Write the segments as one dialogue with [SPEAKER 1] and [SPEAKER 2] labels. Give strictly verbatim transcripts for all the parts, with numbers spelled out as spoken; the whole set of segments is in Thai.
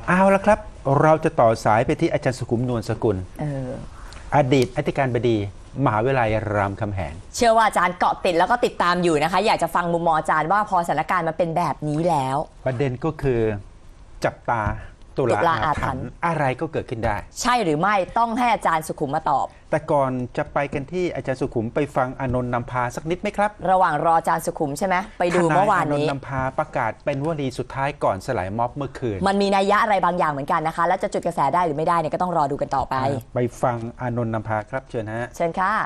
[SPEAKER 1] เอาละครับเราจะต่อสายไปที่อาจารย์สุขุมนวลสกุล
[SPEAKER 2] เออ
[SPEAKER 1] อดีตอธิการบดีมหาวิทยาลัยรามคำแหง
[SPEAKER 2] เชื่อว่าอาจารย์เกาะติดแล้วก็ติดตามอยู่นะคะอยากจะฟังมุมมองอาจารย์ว่าพอสถานการณ์มันเป็นแบบนี้แล้ว
[SPEAKER 1] ประเด็นก็คือจับตาตุลาอาถรรพ์อะไรก็เกิดขึ้นได้
[SPEAKER 2] ใช่หรือไม่ต้องให้อาจารย์สุขุมมาตอบ
[SPEAKER 1] แต่ก่อนจะไปกันที่อาจารย์สุขุมไปฟังอานนท์นำพาสักนิดไหมครับ
[SPEAKER 2] ระหว่างรออาจารย์สุขุมใช่ไหมไปดูเมื่อวานนี้
[SPEAKER 1] อานนท์นำพาประกาศเป็นวลีสุดท้ายก่อนสลายม็อบเมื่อคืน
[SPEAKER 2] มันมีนัยยะอะไรบางอย่างเหมือนกันนะคะแล้วจะจุดกระแสได้หรือไม่ได้เนี่ยก็ต้องรอดูกันต่อไป
[SPEAKER 1] ไปฟังอานนท์นำพาครับเชิญฮะ
[SPEAKER 2] เชิญค่ะ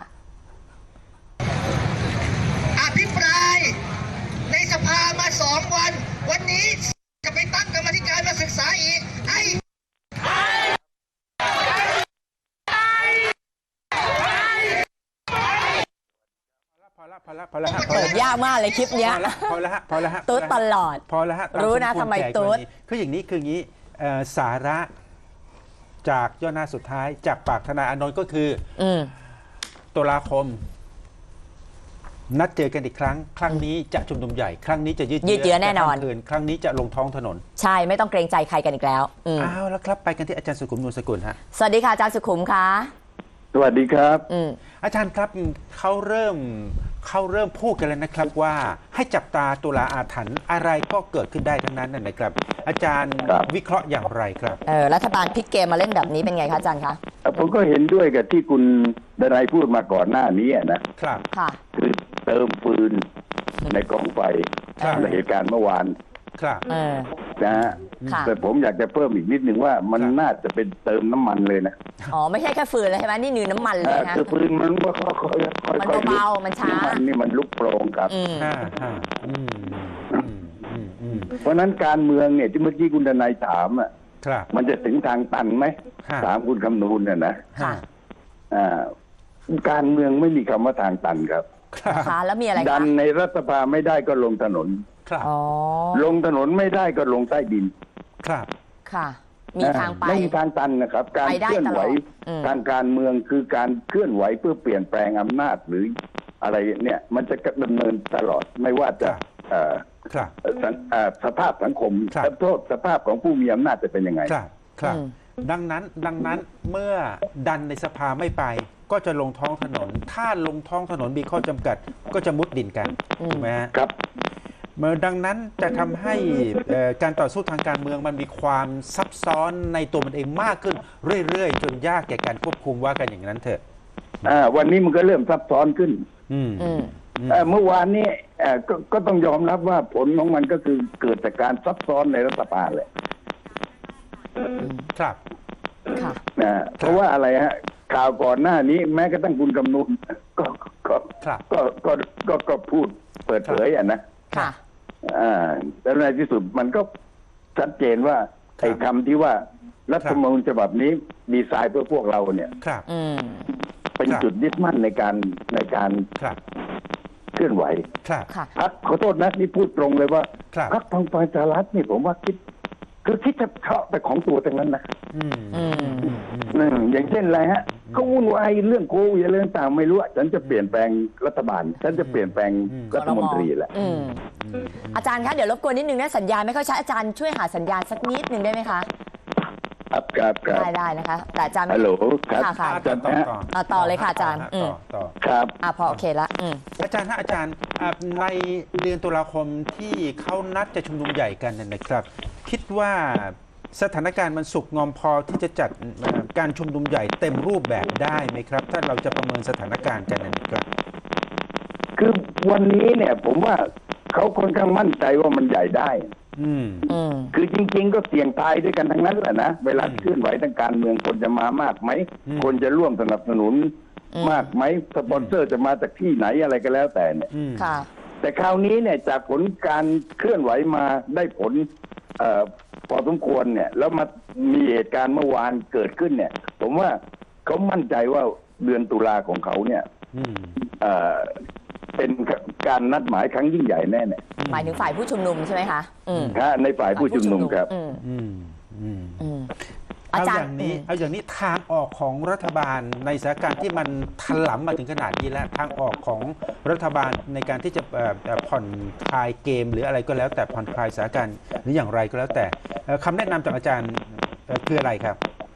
[SPEAKER 3] อภิปรายในสภามาสองวันวันนี้จะไปตั้งกรรมธิการมาศึกษาอีกไอ้
[SPEAKER 1] พอละพอละพอละพอละ
[SPEAKER 2] เปิดยากมากเลยคลิปเนี้ย
[SPEAKER 1] พอละฮะพอละฮะ
[SPEAKER 2] ตุ๊ดตลอด
[SPEAKER 1] พอละฮะ
[SPEAKER 2] รู้นะทำไมตุ๊ด
[SPEAKER 1] คืออย่างนี้คืออย่างนี้สาระจากย่อหน้าสุดท้ายจากปากทนายอานนท์ก็คือตุลาคมนัดเจอกันอีกครั้งครั้งนี้จะชุมนุมใหญ่ครั้งนี้จะยืด
[SPEAKER 2] เยื้อแน่นอน
[SPEAKER 1] ครั้งนี้จะลงท้องถนน
[SPEAKER 2] ใช่ไม่ต้องเกรงใจใครกันอีกแล้ว
[SPEAKER 1] อ้าวแล้วครับไปกันที่อาจารย์สุขุมนวลสกุลฮะ
[SPEAKER 2] สวัสดีค่ะอาจารย์สุขุมค่ะ
[SPEAKER 4] สวัสดีครับ
[SPEAKER 1] อาจารย์ครับเขาเริ่มเขาเริ่มพูดกันแล้วนะครับว่าให้จับตาตุลาอาถรรพ์อะไรก็เกิดขึ้นได้ทั้งนั้นนะครับ อาจารย์วิเคราะห์อย่างไรครับ
[SPEAKER 2] เออรัฐบาลพลิกเกมมาเล่นแบบนี้เป็นไงคะอาจารย์คะ
[SPEAKER 4] ผมก็เห็นด้วยกับที่คุณดนัยพูดมาก่อนหน้านี้นะครับ
[SPEAKER 2] ค่ะ
[SPEAKER 4] คือเติมฟืนในกองไฟในเหตุการณ์เมื่อวาน
[SPEAKER 1] ครับ
[SPEAKER 4] นะฮะแต่ผมอยากจะเพิ่มอีกนิดหนึ่งว่ามันน่าจะเป็นเติมน้ำมันเลยนะ
[SPEAKER 2] อ๋อไม่ใช่แค่ฟืนเลยใช่ไหมนี่นือน้ำมันเลยนะ
[SPEAKER 4] คือฟืนมันก็ค่อยๆ
[SPEAKER 2] มันเบาๆมันช้า
[SPEAKER 4] มันนี่มันลุกโปร่งครับเพราะนั้นการเมืองเนี่ยที่เมื่อกี้คุณดนัยถามอ่ะมันจะถึงทางตันไหมถามคุณคำนูนเนี่ยนะการเมืองไม่มีคำว่าทางตันครับ
[SPEAKER 2] ค่ะแล้วมีอะไร
[SPEAKER 4] ดันในรัฐสภาไม่ได้ก็ลงถนนลงถนนไม่ได้ก็ลงใต้ดิน
[SPEAKER 1] ครับ
[SPEAKER 2] ค่ะมีทางไป
[SPEAKER 4] ไม่มีทางตันนะครับการเคลื่อนไหวทางการเมืองคือการเคลื่อนไหวเพื่อเปลี่ยนแปลงอำนาจหรืออะไรเนี่ยมันจะดำเนินตลอดไม่ว่าจะสภาพสังคมโทษสภาพของผู้มีอำนาจจะเป็นยังไง
[SPEAKER 1] ครับครับดังนั้นดังนั้นเมื่อดันในสภาไม่ไปก็จะลงท้องถนนถ้าลงท้องถนนมีข้อจำกัดก็จะมุดดินกันถูกไหม
[SPEAKER 4] ครับ
[SPEAKER 1] เมื่อดังนั้นจะทำให้การต่อสู้ทางการเมืองมันมีความซับซ้อนในตัวมันเองมากขึ้นเรื่อยๆจนยากแก่การควบคุมว่ากันอย่างนั้นเถอะ
[SPEAKER 4] วันนี้มันก็เริ่มซับซ้อนขึ้นเมื่อวานนี้กก็ต้องยอมรับว่าผลของมันก็คือเกิดจากการซับซ้อนในรัฐบาลเลย
[SPEAKER 1] ครับ
[SPEAKER 4] เพราะว่าอะไรฮะข่าวก่อนหน้านี้แม้กระทั่งคุณกำนูนก็ก็ก็ก็ก็ก็พูดเปิดเผยอ่ะนะ
[SPEAKER 2] ค่ะ
[SPEAKER 4] อ่าแล้วในที่สุดมันก็ชัดเจนว่าไอ้คำที่ว่ารัฐธรรมนูญฉบับนี้ดีไซน์เพื่อพวกเราเนี่ยเป็นจุดยึดมั่นในการในการเคลื่อนไหวพักขอโทษนะนี่พูดตรงเลยว่าพักพลังประชารัฐนี่ผมว่าคิดคือคิดจะเฉาะไปของตัวตรงนั้นนะอย่างเช่นอะไรฮะเขาวุ่นวายเรื่องโควิดเรื่องต่างไม่รู้ฉันจะเปลี่ยนแปลงรัฐบาลฉันจะเปลี่ยนแปลงรัฐมนตรีแหละ
[SPEAKER 2] อาจารย์คะเดี๋ยวรบกวนนิดนึงนะสัญญาณไม่ค่อยชัดอาจารย์ช่วยหาสัญญาณสักนิดนึงได้ไหมคะ
[SPEAKER 4] ครับครับ
[SPEAKER 2] ได้ได้นะคะแต่อาจารย์
[SPEAKER 4] ฮัลโหลครับ
[SPEAKER 2] ค่ะ
[SPEAKER 1] อาจารย์ต่อ
[SPEAKER 2] ต่อเลยค่ะอาจารย์
[SPEAKER 1] ต่อ
[SPEAKER 4] ครับ
[SPEAKER 2] อ่าพอโอเคละ
[SPEAKER 1] อาจารย์ฮะอาจารย์ในเดือนตุลาคมที่เขานัดจะชุมนุมใหญ่กันนะครับคิดว่าสถานการณ์มันสุกงอมพอที่จะจัดการชุมนุมใหญ่เต็มรูปแบบได้ไหมครับถ้าเราจะประเมินสถานการณ์กันนะครับ
[SPEAKER 4] คือวันนี้เนี่ยผมว่าเขาค่อนข้างมั่นใจว่ามันใหญ่ได้
[SPEAKER 1] อืม
[SPEAKER 4] คือจริงๆก็เสี่ยงตายด้วยกันทั้งนั้นแหละนะเวลาเคลื่อนไหวทางการเมืองคนจะมามากไหมคนจะร่วมสนับสนุนมากไหมสปอนเซอร์จะมาจากที่ไหนอะไรก็แล้วแต่เนี่ยแต่คราวนี้เนี่ยจากผลการเคลื่อนไหวมาได้ผลเอ่อพอสมควรเนี่ยแล้วมามีเหตุการณ์เมื่อวานเกิดขึ้นเนี่ยผมว่าเขามั่นใจว่าเดือนตุลาของเขาเนี่ยเอ่อเป็นการนัดหมายครั้งยิ่งใหญ่แน่เนี่ย
[SPEAKER 2] หมายถึงฝ่ายผู้ชุมนุมใช่ไหมคะ
[SPEAKER 4] ฮะในฝ่ายผู้ชุมนุมครับ
[SPEAKER 1] เอาอย่างนี้เอาอย่างนี้ทางออกของรัฐบาลในสถานการณ์ที่มันถล่มมาถึงขนาดนี้แล้วทางออกของรัฐบาลในการที่จะผ่อนคลายเกมหรืออะไรก็แล้วแต่ผ่อนคลายสถานการณ์หรืออย่างไรก็แล้วแต่เอ่อคำแนะนำจากอาจารย์เอ่อคืออะไรครับ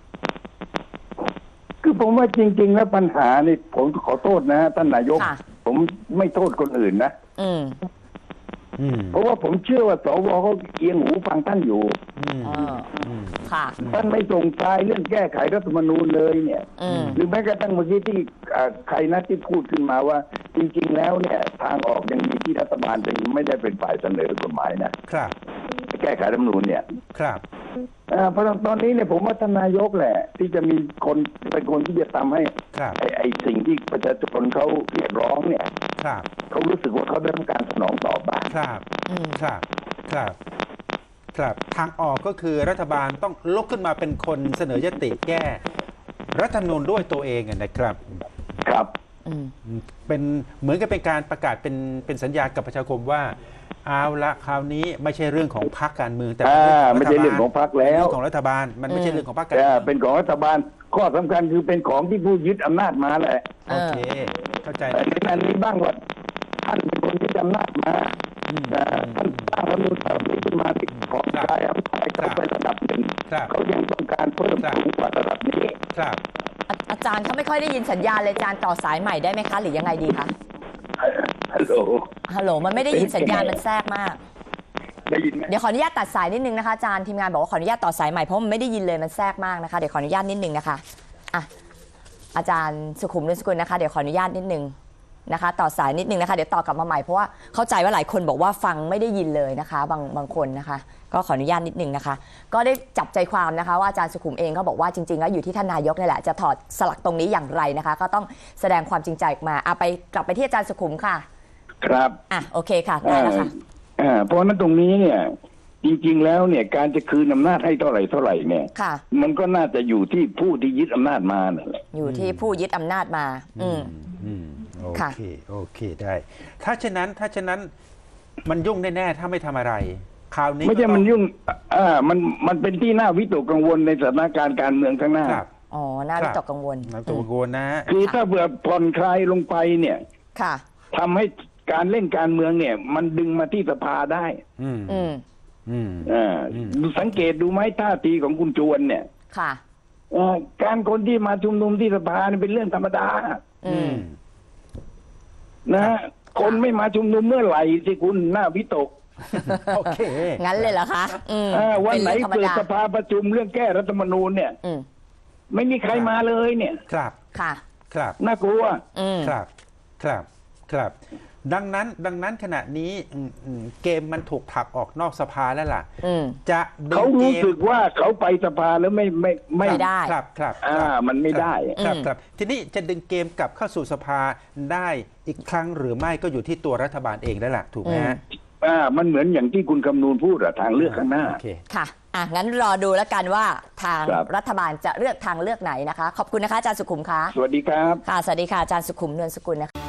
[SPEAKER 4] คือผมว่าจริง ๆ แล้วปัญหานี่ผมขอโทษนะท่านนายก
[SPEAKER 2] ค่ะ
[SPEAKER 4] ผมไม่โทษคนอื่นนะ
[SPEAKER 2] อืม
[SPEAKER 1] อืม
[SPEAKER 4] เพราะว่าผมเชื่อว่าสวเขาเอียงหูฟังท่านอยู่
[SPEAKER 1] อืม
[SPEAKER 2] เออ
[SPEAKER 1] อืม
[SPEAKER 2] ค่ะ
[SPEAKER 4] ท่านไม่ส่งสายเรื่องแก้ไขรัฐธรรมนูญเลยเนี่ย
[SPEAKER 2] อืม
[SPEAKER 4] หรือแม้กระทั่งเมื่อกี้ที่อ่าใครนะที่พูดขึ้นมาว่า จริง ๆ แล้วเนี่ย ทางออกยังมีที่รัฐบาลจะไม่ได้เป็นฝ่ายเสนอกฎหมายนะครับ แก้ไขรัฐธรรมนูญเนี่ย
[SPEAKER 1] ครับ
[SPEAKER 4] อ่าเพราะตอนนี้เนี่ยผมว่าท่านนายกแหละ ที่จะมีคนเป็นคนที่จะทำให้
[SPEAKER 1] ครับ
[SPEAKER 4] ไอ้ไอ้สิ่งที่ประชาชนเขาเรียกร้องเนี่ย
[SPEAKER 1] ครับ
[SPEAKER 4] เขารู้สึกว่าเขาได้รับการสนองตอบบ้าง
[SPEAKER 1] ครับ
[SPEAKER 2] อืม
[SPEAKER 1] ครับ ครับ ครับ ทางออกก็คือรัฐบาลต้องลุกขึ้นมาเป็นคนเสนอยติแก้รัฐธรรมนูญด้วยตัวเองอะนะครับ
[SPEAKER 4] ครับ
[SPEAKER 2] อืม
[SPEAKER 1] เป็นเหมือนกับเป็นการประกาศเป็นเป็นสัญญากับประชาคมว่า เอาละคราวนี้ไม่ใช่เรื่องของพรรคการเมืองแต่เป็น
[SPEAKER 4] อ่า
[SPEAKER 1] เรื่องของ
[SPEAKER 4] ไม่ใช่เรื่องของพรรคแล้ว
[SPEAKER 1] เรื่องของรัฐบาล มันไม่ใช่เรื่องของพรรคการ
[SPEAKER 4] แต่
[SPEAKER 1] เมือง
[SPEAKER 4] เป็นของรัฐบาล ข้อสำคัญคือเป็นของที่ผู้ยึดอำนาจมาแหละ
[SPEAKER 2] เอ
[SPEAKER 1] โอ
[SPEAKER 2] อ
[SPEAKER 1] เค เข้าใจ
[SPEAKER 4] แต่ในนั้นนี้บ้างว่าท่านเป็นคนยึดอำนาจมา
[SPEAKER 1] อืม
[SPEAKER 4] อ่าท่านสร้างรัฐธรรมนูญฉบับนี้ขึ้นมาที่ของกายอำนาจเขาไประดับหนึ่ง
[SPEAKER 1] ครับ
[SPEAKER 4] เขายังต้องการเพิ่ม
[SPEAKER 1] ครับ
[SPEAKER 4] สูงกว่าระดับนี้
[SPEAKER 1] ครับ
[SPEAKER 2] อาอาจารย์เขาไม่ค่อยได้ยินสัญญาณเลยอาจารย์ต่อสายใหม่ได้ไหมคะ หรือยังไงดีคะ
[SPEAKER 4] ฮัลโหล
[SPEAKER 2] ฮัลโหล มันไม่ได้ยินสัญญาณมันแทรกมาก
[SPEAKER 4] ได้ยินไหม
[SPEAKER 2] เดี๋ยวขออนุญาตตัดสายนิดนึงนะคะอาจารย์ทีมงานบอกว่าขออนุญาตต่อสายใหม่เพราะมันไม่ได้ยินเลยมันแทรกมากนะคะเดี๋ยวขออนุญาตนิดนึงนะคะอ่ะอาจารย์สุขุมนุสกุลนะคะเดี๋ยวขออนุญาตนิดนึงนะคะ ต่อสายนิดนึงนะคะเดี๋ยวต่อกลับมาใหม่เพราะว่าเข้าใจว่าหลายคนบอกว่าฟังไม่ได้ยินเลยนะคะ บางบางคนนะคะ ก็ขออนุญาตนิดนึงนะคะ ก็ได้จับใจความนะคะว่าอาจารย์สุขุมเองก็บอกว่าจริงๆแล้วอยู่ที่ท่านนายกนี่แหละจะถอดสลักตรงนี้อย่างไรนะคะ ก็ต้องแสดงความจริงใจออกมาเอาไปกลับไปที่อาจารย์สุขุมค่ะ
[SPEAKER 4] ครับ
[SPEAKER 2] อ่ะโอเคค่ะได้แล้วค่ะ
[SPEAKER 4] อ่าเพราะฉะนั้นตรงนี้เนี่ย จริง ๆ แล้วเนี่ย การจะคืนอำนาจให้เท่าไหร่เท่าไหร่เนี่ย
[SPEAKER 2] ค่ะ
[SPEAKER 4] มันก็น่าจะอยู่ที่ผู้ที่ยึดอำนาจมานั่นแหละ
[SPEAKER 2] อยู่ที่ผู้ยึดอำนาจมา อืม
[SPEAKER 1] อืมโอ
[SPEAKER 2] ค่ะ
[SPEAKER 1] เค โอเค ได้ ถ้าเช่นนั้น ถ้าเช่นนั้น มันยุ่งแน่ ๆ ถ้าไม่ทำอะไร คราวนี้
[SPEAKER 4] ไม่ใช่
[SPEAKER 1] ก็ต้อง
[SPEAKER 4] มันยุ่ง อ่า มัน มันเป็นที่น่าวิตกกังวลในสถานการณ์การเมืองข้างหน้า
[SPEAKER 1] ครับ
[SPEAKER 2] อ๋อ น่าวิตกกังวล
[SPEAKER 1] น้ำตัวโกนนะ
[SPEAKER 4] คือถ้าเผื่อผ่อนคลายลงไปเนี่ย
[SPEAKER 2] ค่ะ
[SPEAKER 4] ทำให้การเล่นการเมืองเนี่ย มันดึงมาที่สภาได้
[SPEAKER 1] อืม
[SPEAKER 2] อืม
[SPEAKER 1] อืม
[SPEAKER 4] อ่า
[SPEAKER 1] อืม
[SPEAKER 4] ดูสังเกตดูไหมท่าทีของคุณจวนเนี่ย
[SPEAKER 2] ค่ะ
[SPEAKER 4] เอ่อการคนที่มาชุมนุมที่สภาเนี่ยเป็นเรื่องธรรมดา
[SPEAKER 2] อื
[SPEAKER 1] อื
[SPEAKER 2] ม
[SPEAKER 1] ม
[SPEAKER 4] นะฮะคนไม่มาชุมนุมเมื่อไหร่ที่คุณน่าวิตก
[SPEAKER 1] โอเค
[SPEAKER 2] งั้นเลยเหรอคะ อืม
[SPEAKER 4] อ่าวันไหน
[SPEAKER 2] ป็รื่องธรรม
[SPEAKER 4] เปิด
[SPEAKER 2] ดา
[SPEAKER 4] สภาประชุมเรื่องแก้รัฐธรรมนูญเนี่ย
[SPEAKER 2] อืม
[SPEAKER 4] ไม่มีใครมาเลยเนี่ย
[SPEAKER 1] ครับ
[SPEAKER 2] ค่ะ
[SPEAKER 1] ครับ
[SPEAKER 4] น่ากลัว
[SPEAKER 2] อืม
[SPEAKER 1] ครับ ครับ ครับ ดังนั้น ดังนั้นขณะนี้อืมอืมเกมมันถูกผลักออกนอกสภาแล้วล่ะ
[SPEAKER 2] อืม
[SPEAKER 1] จะดึง
[SPEAKER 4] เขา
[SPEAKER 1] เก
[SPEAKER 4] รู้
[SPEAKER 1] ม
[SPEAKER 4] สึกว่าเขาไปสภาแล้วไม่ไม่ไม่
[SPEAKER 2] ไม่ได้
[SPEAKER 1] ครับ ครับ
[SPEAKER 4] อ่า
[SPEAKER 1] ครับ
[SPEAKER 4] มันไม่ได้
[SPEAKER 1] ครับ
[SPEAKER 2] อืม
[SPEAKER 1] ครับ ทีนี้จะดึงเกมกลับเข้าสู่สภาได้อีกครั้งหรือไม่ก็อยู่ที่ตัวรัฐบาลเองแล้วล่ะ ถูกไหมฮะ
[SPEAKER 4] อ่า มันเหมือนอย่างที่คุณคำนูนพูดอะทางเลือกข้างหน้า
[SPEAKER 1] โอเค
[SPEAKER 2] ค่ะ อ่ะ งั้นรอดูแล้วกันว่าทาง
[SPEAKER 4] ครับ
[SPEAKER 2] รัฐบาลจะเลือกทางเลือกไหนนะคะ ขอบคุณนะคะอาจารย์สุขุมคะ
[SPEAKER 4] สวัสดีครับ
[SPEAKER 2] ค่ะ สวัสดีค่ะอาจารย์สุขุมนวลสกุลนะคะ